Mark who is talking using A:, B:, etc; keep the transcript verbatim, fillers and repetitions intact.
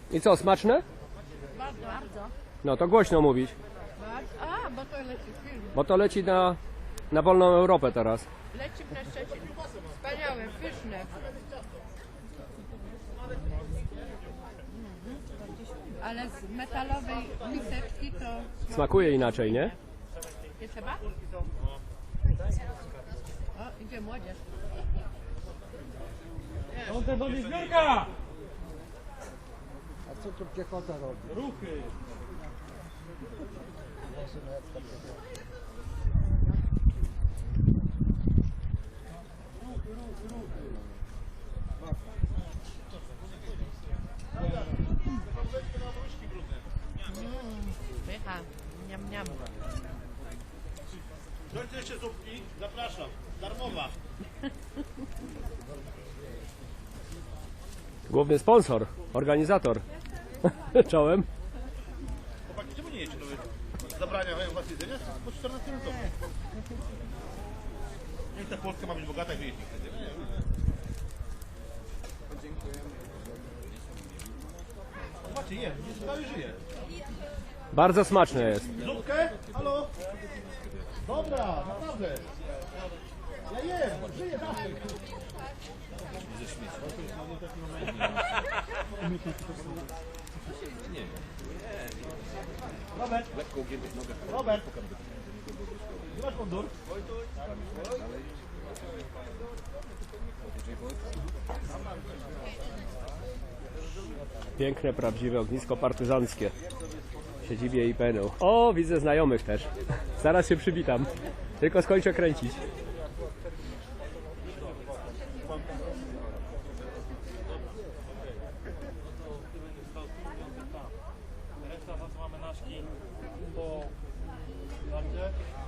A: I co, smaczne?
B: Bardzo. Bardzo.
A: No to głośno mówić,
B: A, bo to leci film.
A: bo to leci na, na wolną Europę teraz.
B: Leci na Szczecin. Wspaniałe, pyszne. Ale z metalowej miseczki to
A: Smakuje inaczej, nie?
B: nie trzeba? O, idzie młodzież.
C: Piąte do niezbiórka!
D: A co tu piechota robi?
C: Ruchy!
B: Pycha. Niam, niam.
E: Dojdzie jeszcze zupki, zapraszam, darmowa.
A: Główny sponsor, organizator. Czołem.
E: Chłopaki, czemu nie jecie? To wy zabraniają was jedzenia? Po czternastym roku. Niech ta Polska ma być bogata i wy jeść nie chcecie. Nie, zobaczcie, je, cały żyje.
A: Bardzo smaczne jest.
E: Zupkę? Halo? Dobra, naprawdę. Ja jem, żyję zawsze. Robert, Robert, gdzie masz mundur?
A: Piękne, prawdziwe ognisko partyzanckie w siedzibie I P N-u. O, widzę znajomych też. Zaraz się przywitam. Tylko skończę kręcić.
C: Reszta was mamy naszki po... Dobrze?